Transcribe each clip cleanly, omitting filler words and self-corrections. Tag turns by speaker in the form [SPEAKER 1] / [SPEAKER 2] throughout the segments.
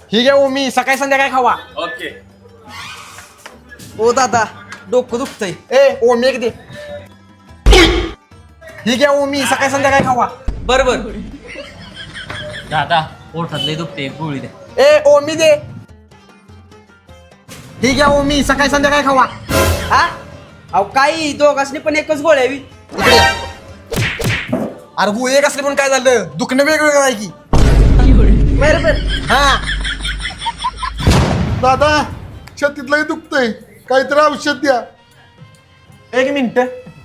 [SPEAKER 1] ही घ्या ओ मी सकाळी संध्याकाळी खावा.
[SPEAKER 2] ओके.
[SPEAKER 3] ओ दादा डोकं दुखतंय.
[SPEAKER 1] ए ओ मी एक दे. ही घ्या ओ मी सकाळी संध्याकाळी खावा.
[SPEAKER 3] बरोबर.
[SPEAKER 2] दादा पोटात लय दुखते, एक गोळी द्या.
[SPEAKER 1] ए ओ मी दे. ही घ्या ओ मी सकाळी संध्याकाळी खावा.
[SPEAKER 3] हा अहो काही दोघांनी पण एकच गोळ्या हवी.
[SPEAKER 1] इकडे ये. अरे हो एक असले पण काय झालं दुखणं वेगवेगळं आहे की.
[SPEAKER 3] बरोबर.
[SPEAKER 1] हा
[SPEAKER 4] दादा छातीतलंही दुखतंय, काहीतरी औषध द्या.
[SPEAKER 1] एक मिनिट.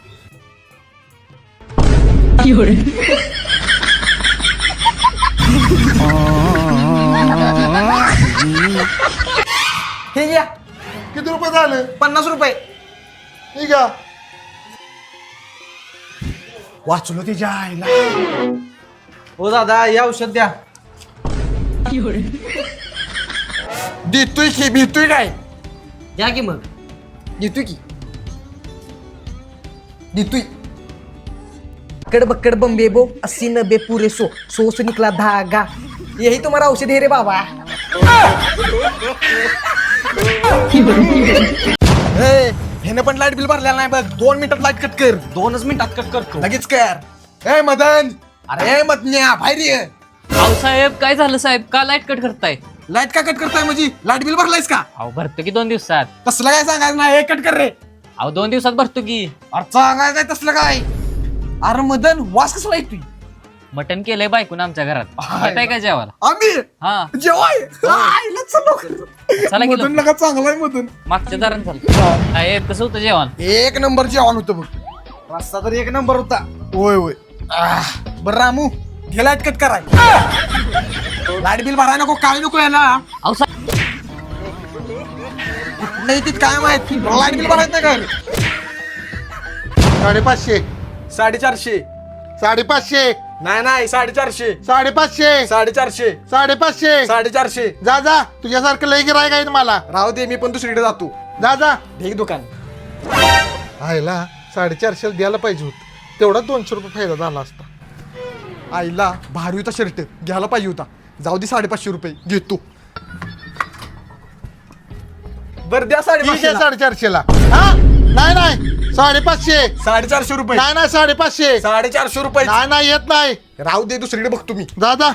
[SPEAKER 1] हे घ्या
[SPEAKER 4] किती रुपये झाले?
[SPEAKER 1] 50 रुपये.
[SPEAKER 4] ठीक आहे.
[SPEAKER 1] वाचलो तिच्या आईला.
[SPEAKER 3] ओ दादा हे औषध द्या.
[SPEAKER 1] देतोय की भीतोय काय.
[SPEAKER 3] द्या की मग.
[SPEAKER 1] देतोय की देतोय.
[SPEAKER 3] बक्कड़ बक्कड़ बम्बे बो 80-90 पूरे 100 से निकला धागा. यही तुम्हारा औषध है रे बाबा.
[SPEAKER 1] ए ह्यानं पण लाईट बिल भरलेलं नाही बघ. 2 मिनिटात लाईट कट कर.
[SPEAKER 3] 2च मिनिटात कट करतो.
[SPEAKER 1] लगेच कर. ए मदन अरे मदन्या बाहेर ये.
[SPEAKER 2] अहो साहेब काय झालं साहेब, का लाईट कट करताय?
[SPEAKER 1] लाईट का कट करताय म्हणजे लाईट बिल भरलायस का.
[SPEAKER 2] अहो भरतो की 2 दिवसात.
[SPEAKER 1] तसलं काय सांगायचं नाही. हे कट कर रे.
[SPEAKER 2] अहो 2 दिवसात भरतो की.
[SPEAKER 1] अरे सांगायचं नाही तसलं काय. अरे मदन वास कसला ऐकतोय.
[SPEAKER 2] मटन केलंय बायकून आमच्या घरात. येताय का जेवायला?
[SPEAKER 1] आम्ही
[SPEAKER 2] हा
[SPEAKER 1] जेवाय आईला चलो.
[SPEAKER 2] चला की
[SPEAKER 1] मदन
[SPEAKER 2] लवकर.
[SPEAKER 1] नका चांगला आहे मदन.
[SPEAKER 2] मागच्या दारात झालं. साहेब कसं होतं जेवण?
[SPEAKER 1] एक नंबर जेवण होतं बघ. रस्ता तर एक नंबर होता. होय होय. बरं रामू घे लाईट कट कराय. लाईट बिल भराय नको काय नको याला.
[SPEAKER 2] अहो साहेब
[SPEAKER 1] नाही तिथ काय माहित लाईट बिल भरायचं नाही कर.
[SPEAKER 4] 550,
[SPEAKER 1] 450.
[SPEAKER 4] 550,
[SPEAKER 1] नाही नाही 450.
[SPEAKER 4] 550,
[SPEAKER 1] 450.
[SPEAKER 4] 550.
[SPEAKER 1] 450.
[SPEAKER 4] जा जा, तुझ्यासारखं लय गिरायक आहे मला.
[SPEAKER 1] राहू दे मी पण दुसरीकडे जातो.
[SPEAKER 4] जा जा.
[SPEAKER 1] ढेक दुकान.
[SPEAKER 4] आईला 450 द्यायला पाहिजे होत, तेवढा 200 रुपये फायदा झाला असता.
[SPEAKER 1] आईला भारी होता शर्ट घ्यायला पाहिजे होता. जाऊ दे 550 रुपये घेतो. बर द्या
[SPEAKER 4] ठीक आहे
[SPEAKER 1] 550.
[SPEAKER 4] 450 ला. हा नाही नाही 550.
[SPEAKER 1] 450 रुपये.
[SPEAKER 4] नाही नाही 550.
[SPEAKER 1] 450 रुपये.
[SPEAKER 4] नाही नाही येत नाही.
[SPEAKER 1] राहू दे दुसरीकडे बघतो मी.
[SPEAKER 4] जा जा.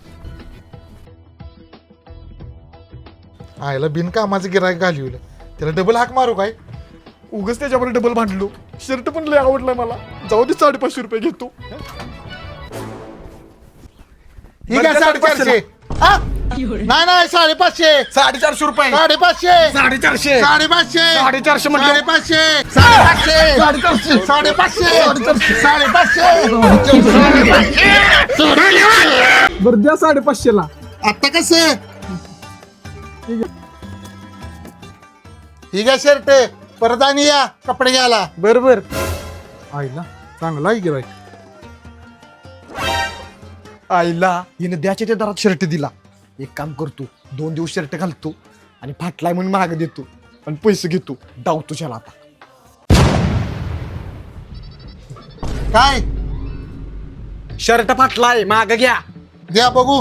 [SPEAKER 4] आईला बिनकामाचं गिरायक घालवलं, त्याला डबल हाक मारू काय.
[SPEAKER 1] उगच त्याच्यावर डबल भांडलो. शर्ट पण लय आवडलाय मला. जाऊ दे 550 रुपये घेतो.
[SPEAKER 4] ठीक आहे 450. हा नाही नाही 550.
[SPEAKER 1] 450 रुपये.
[SPEAKER 4] 550.
[SPEAKER 1] 450.
[SPEAKER 4] 550.
[SPEAKER 1] 450 म्हटलं.
[SPEAKER 4] 550. 550. 550.
[SPEAKER 1] बरं द्या 550 ला.
[SPEAKER 4] आता कसं ठीक आहे शर्ट परत आणि या कपडे घ्यायला.
[SPEAKER 1] बरोबर.
[SPEAKER 4] आईला चांगला आहे गिरायक.
[SPEAKER 1] आईला हिने द्याच्या त्या दरात शर्ट दिला. एक काम करतो 2 दिवस शर्ट घालतो आणि फाटलाय म्हणून महाग देतो आणि पैसे घेतो. डावतो त्याला आता.
[SPEAKER 4] काय
[SPEAKER 1] शर्ट फाटलाय महाग घ्या.
[SPEAKER 4] द्या बघू.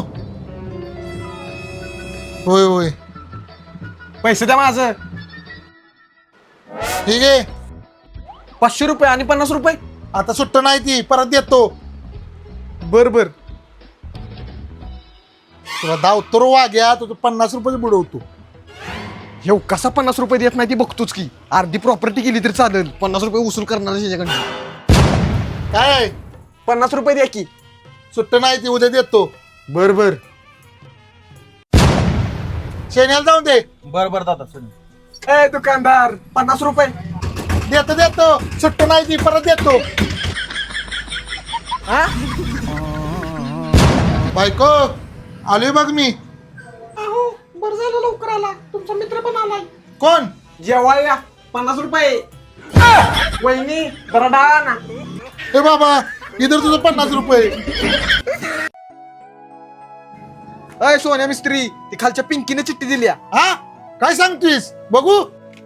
[SPEAKER 4] होय होय
[SPEAKER 1] पैसे द्या माझं.
[SPEAKER 4] ठीक आहे.
[SPEAKER 1] 500 रुपये आणि 50 रुपये.
[SPEAKER 4] आता सुट्ट नाही ती, परत देतो.
[SPEAKER 1] बर बर.
[SPEAKER 4] तुला धावतो वाग्या, तुझं 50 रुपये बुडवतो.
[SPEAKER 1] हे कसा 50 रुपये देत नाही ती बघतोच की. अर्धी प्रॉपर्टी केली तरी चालेल. 50 रुपये वसूल करणार त्याच्याकडे.
[SPEAKER 4] काय
[SPEAKER 1] 50 रुपये द्या की.
[SPEAKER 4] सुट्ट नाही ती, उद्या देतो.
[SPEAKER 1] बर बर.
[SPEAKER 4] शेण्याला जाऊन दे.
[SPEAKER 3] बरोबर दादा.
[SPEAKER 1] ए दुकानदार 50 रुपये.
[SPEAKER 4] देतो देतो. सुट्ट नाही ती, परत देतो.
[SPEAKER 1] हा
[SPEAKER 4] बायको आलोय बघ मी.
[SPEAKER 1] अहो बरं झालं लवकर आला. तुमचा मित्र पण आलाय.
[SPEAKER 4] कोण?
[SPEAKER 1] जेवायला 50 रुपये. वहिनी जरा डाळा ना.
[SPEAKER 4] ए बाबा इधर तुझं 50 रुपये.
[SPEAKER 1] अय सोन्या मिस्त्री ती खालच्या पिंकीने चिठ्ठी दिली.
[SPEAKER 4] हा काय सांगतोयस बघू.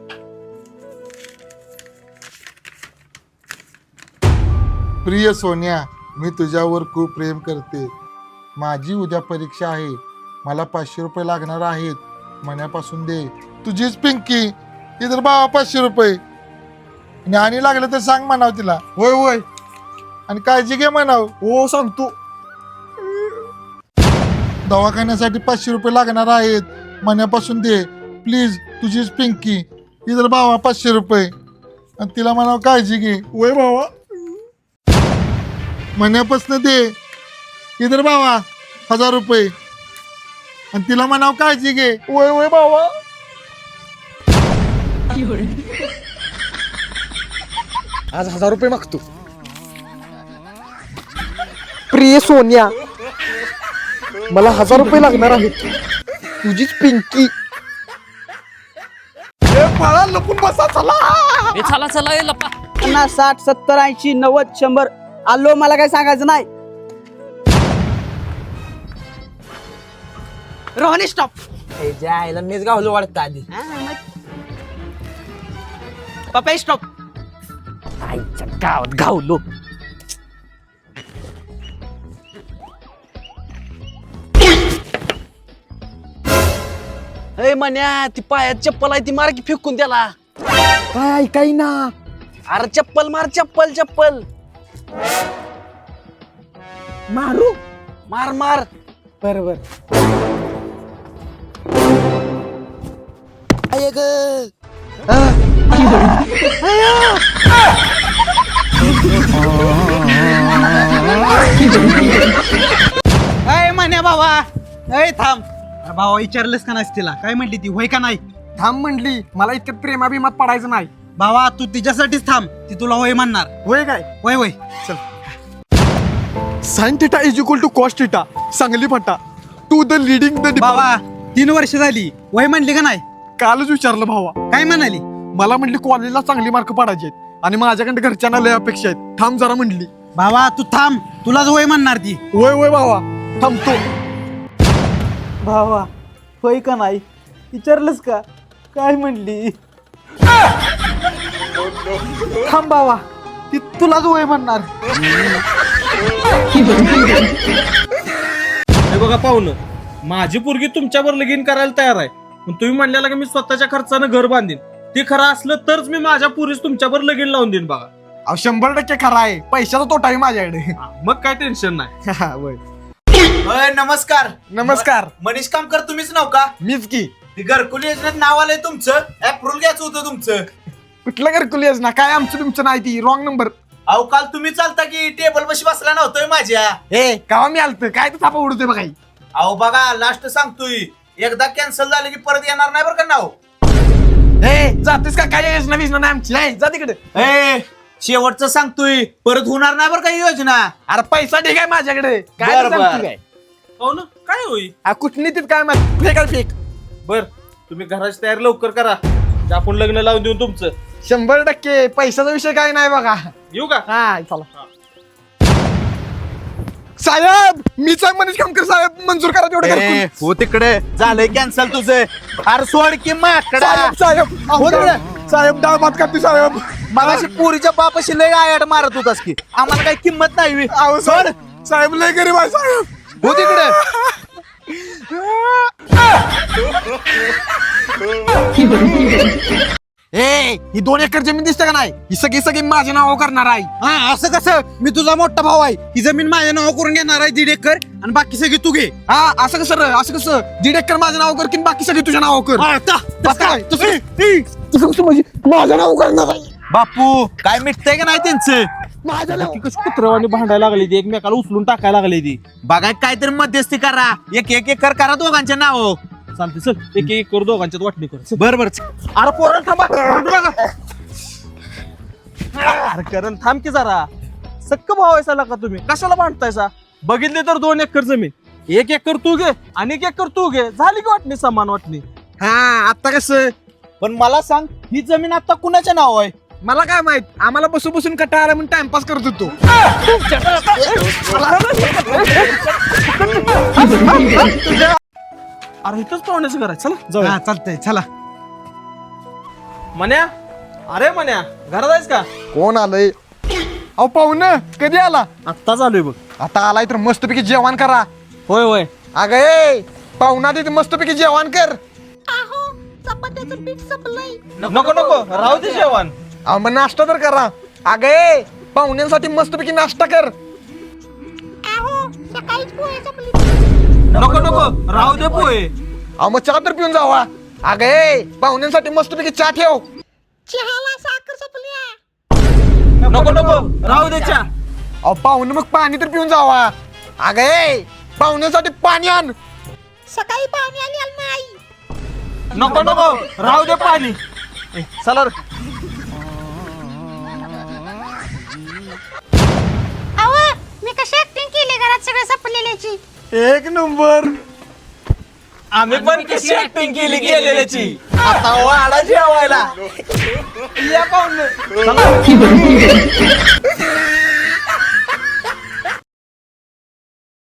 [SPEAKER 4] प्रिय सोन्या, मी तुझ्यावर खूप प्रेम करते. माझी उद्या परीक्षा आहे. मला 500 रुपये लागणार आहेत मण्यापासून दे. तुझीच पिंकी. इधर बाबा 500 रुपये. आणि लागलं तर सांग म्हणाव तिला.
[SPEAKER 1] होय होय
[SPEAKER 4] आणि काळजी घे म्हणाव.
[SPEAKER 1] हो सांगतो.
[SPEAKER 4] दवाखान्यासाठी 500 रुपये लागणार आहेत मण्यापासून दे प्लीज. तुझीच पिंकी. इधर बाबा 500 रुपये. आणि तिला म्हणाव काळजी घे.
[SPEAKER 1] होय भावा.
[SPEAKER 4] मण्यापासून दे. इधर बाबा 1000 रुपये. आणि तिला म्हणाव काळजी घे.
[SPEAKER 1] होय होय भावा. आज 1000 रुपये मागतो.
[SPEAKER 3] प्रिय सोन्या, मला 1000 रुपये लागणार आहेत. तुझीच पिंकी.
[SPEAKER 1] मला लपून बसा चला.
[SPEAKER 2] ए चला चला ए लपा.
[SPEAKER 5] 50, 60, 70, 80, 90, 100 आलो. मला काय सांगायचं नाही. रोहनी स्टॉप.
[SPEAKER 3] जायला मीच गावलो वाटतं आधी.
[SPEAKER 5] पप्पा स्टॉप.
[SPEAKER 3] आईच्या गावात गावलो.
[SPEAKER 5] ए मन्या, ती पायात चप्पल आहे ती मार की फेकून त्याला.
[SPEAKER 3] काय ऐकाय ना.
[SPEAKER 5] अरे चप्पल मार. चप्पल चप्पल
[SPEAKER 3] मारू.
[SPEAKER 5] मार मार.
[SPEAKER 3] बरोबर.
[SPEAKER 5] अय मन्या भावा. अय थांब. अरे भावा विचारलंस का नाही तिला काय म्हटली ती होय का नाही.
[SPEAKER 1] थांब म्हणली. मला इतक्यात प्रेमाभिमात पडायचं नाही.
[SPEAKER 5] भावा तू तिच्यासाठीच थांब. ती तुला होय म्हणणार.
[SPEAKER 1] होय काय.
[SPEAKER 5] होय होय.
[SPEAKER 1] Sine theta is equal to cos theta. Sangli Phata to the leading the.
[SPEAKER 5] भावा 3 वर्ष झाली. होय म्हणली का नाही.
[SPEAKER 1] कालच विचारलं भावा.
[SPEAKER 5] काय म्हणाली.
[SPEAKER 1] मला म्हटली कॉलेजला चांगली मार्क पडायचे आहेत आणि माझ्याकडे घरच्यांना लय अपेक्षा आहेत. थांब जरा म्हणली.
[SPEAKER 5] भावा तू थांब. तुलाच होय म्हणणार ती.
[SPEAKER 1] होय होय भावा थांबतो.
[SPEAKER 5] भावा होय का नाही विचारलंस का काय म्हणली. थांब भावा ती तुलाच होय म्हणणार.
[SPEAKER 6] हे बघा पाहुणं, माझी पोरगी तुमच्यावर लगीन करायला तयार आहे. पण तुम्ही म्हणलेला की मी स्वतःच्या खर्चानं घर बांधीन. ते खरं असलं तरच मी माझ्या पोरीस तुमच्यावर लगीन लावून देईन बघा.
[SPEAKER 1] अहो 100% खरा आहे. पैशाचा तोटा आहे माझ्याकडे.
[SPEAKER 6] मग काय टेन्शन नाही.
[SPEAKER 1] होय.
[SPEAKER 7] नमस्कार.
[SPEAKER 1] नमस्कार.
[SPEAKER 7] मनीष कामकर तुम्हीच नाव का.
[SPEAKER 1] मीच की.
[SPEAKER 7] ती घरकुल योजनेत नाव आलंय तुमचं. अप्रूव्हल घ्यायचं होतं तुमचं.
[SPEAKER 1] कुठलं घरकुल योजना काय. आमचं तुमचं नाही. ती रॉंग नंबर.
[SPEAKER 7] अहो काल तुम्ही चालता की टेबल बशी बसला नव्हतोय माझ्या.
[SPEAKER 1] ए कावा मी आलत काय तर थापा उडतोय बघा.
[SPEAKER 7] अहो बघा लास्ट सांगतोय. एकदा कॅन्सल झालं की परत येणार नाही बरं का नाव.
[SPEAKER 1] ए जातेस का काय योजना बिजना नाही आमची. नाही जा तिकडे.
[SPEAKER 7] ए शेवटचं सांगतोय परत होणार नाही बरं का ही योजना.
[SPEAKER 1] अरे पैसा ठीक आहे माझ्याकडे. काय
[SPEAKER 7] बरं,
[SPEAKER 1] तर
[SPEAKER 7] बरं.
[SPEAKER 1] सांगते काय.
[SPEAKER 6] पाहुणं काय होई.
[SPEAKER 1] कुठनीतीत काय माहिती. फेक आहे फेक.
[SPEAKER 6] बर तुम्ही घराची तयारी लवकर करा. जे आपण लग्न लावून देऊ तुमचं.
[SPEAKER 1] 100% पैशाचा विषय काय नाही बघा.
[SPEAKER 6] येऊ का.
[SPEAKER 1] हा चला. साहेब मीच आहे मनीष कामकर साहेब. मंजूर करा तेवढं घरकुल.
[SPEAKER 7] हो तिकडे झालंय कॅन्सल तुझं. अरे सोड की माकडा.
[SPEAKER 1] साहेब साहेब
[SPEAKER 7] हो तिकडे.
[SPEAKER 1] साहेब डाळ भात करते साहेब.
[SPEAKER 7] मगाशी पोरीच्या बापाशी लय आयाड मारत होतास की आम्हाला काही किंमत नाही.
[SPEAKER 1] अहो साहेब लय गरीब आहे साहेब.
[SPEAKER 7] हो तिकडे.
[SPEAKER 1] ए ही 2 एकर जमीन दिसते का नाही. ही सगळी माझ्या नावावर करणार आहे.
[SPEAKER 5] हा असं कसं. मी तुझा मोठा भाऊ आहे. ही जमीन माझ्या नाव करून घेणार आहे 1.5 एकर आणि बाकी सगळी तू घे.
[SPEAKER 1] हा असं कसं रे. असं कसं. 1.5 एकर माझ्या नावावर कर की बाकी सगळी तुझ्या नावावर कर. तसं काय. तसं कसं म्हणजे माझ्या नावावर करणार आहे.
[SPEAKER 7] बापू काय मिटतंय का नाही त्यांचं.
[SPEAKER 1] माझ्या नाव.
[SPEAKER 6] कुत्रवाणी भांडायला लागली ती. एकमेकाला उचलून टाकायला लागली ती.
[SPEAKER 7] बघा काहीतरी मध्यस्थी करा. एक एकर करा दोघांच्या नाव.
[SPEAKER 6] चालते चल. एक एक करू दोघांच्यात वाटणी कर.
[SPEAKER 7] बरोबर.
[SPEAKER 6] अरे पोरं थांबा. अरे करण थांब की जरा. सक्क भाव आहे का तुम्ही. कशाला भांडतायसा. बघितले तर 2 एकर जमीन. 1 एकर तू घे आणि 1 एकर तू घे. झाली की वाटणी समान वाटणी.
[SPEAKER 1] हा आता कसं.
[SPEAKER 7] पण मला सांग ही जमीन आता कुणाच्या नाव आहे.
[SPEAKER 1] मला काय माहित. आम्हाला बसून कटाळा आला म्हणून टाइमपास करत होतो.
[SPEAKER 6] अरे इथंच पाहुण्याचं घर आहे. चला जाऊया.
[SPEAKER 5] हा चालतंय चला.
[SPEAKER 6] मन्या. अरे मन्या घरात आहेस का.
[SPEAKER 1] कोण आलंय. अहो पाहुणं कधी आला.
[SPEAKER 6] आत्ताच आलोय बघ.
[SPEAKER 1] आता आलाय तर मस्तपैकी जेवण करा.
[SPEAKER 6] होय होय.
[SPEAKER 1] अगं ए पाहुणा तिथे मस्तपैकी जेवण कर.
[SPEAKER 6] नको नको राहू दे जेवण.
[SPEAKER 1] मग नाश्ता तर करा. अगे पाहुण्यांसाठी मस्तपैकी नाश्ता कर.
[SPEAKER 6] नको नको राहू दे पोहे.
[SPEAKER 1] मग चहा तर पिऊन जावा. अगे पाहुण्यांसाठी मस्तपैकी चहा ठेव.
[SPEAKER 6] नको नको राहू दे चहा.
[SPEAKER 1] पाहुणे मग पाणी तर पिऊन जावा. अगे पाहुण्यांसाठी पाणी आण.
[SPEAKER 6] नको नको राहू दे पाणी. चला रे.
[SPEAKER 8] मी कशी ऍक्टिंग केली घरात सगळं संपलेल्याची.
[SPEAKER 1] एक नंबर.
[SPEAKER 6] आम्ही पण कशी ऍक्टिंग केली गेलेल्याची. आता वाडा जेवायला या पाहुणे. चला.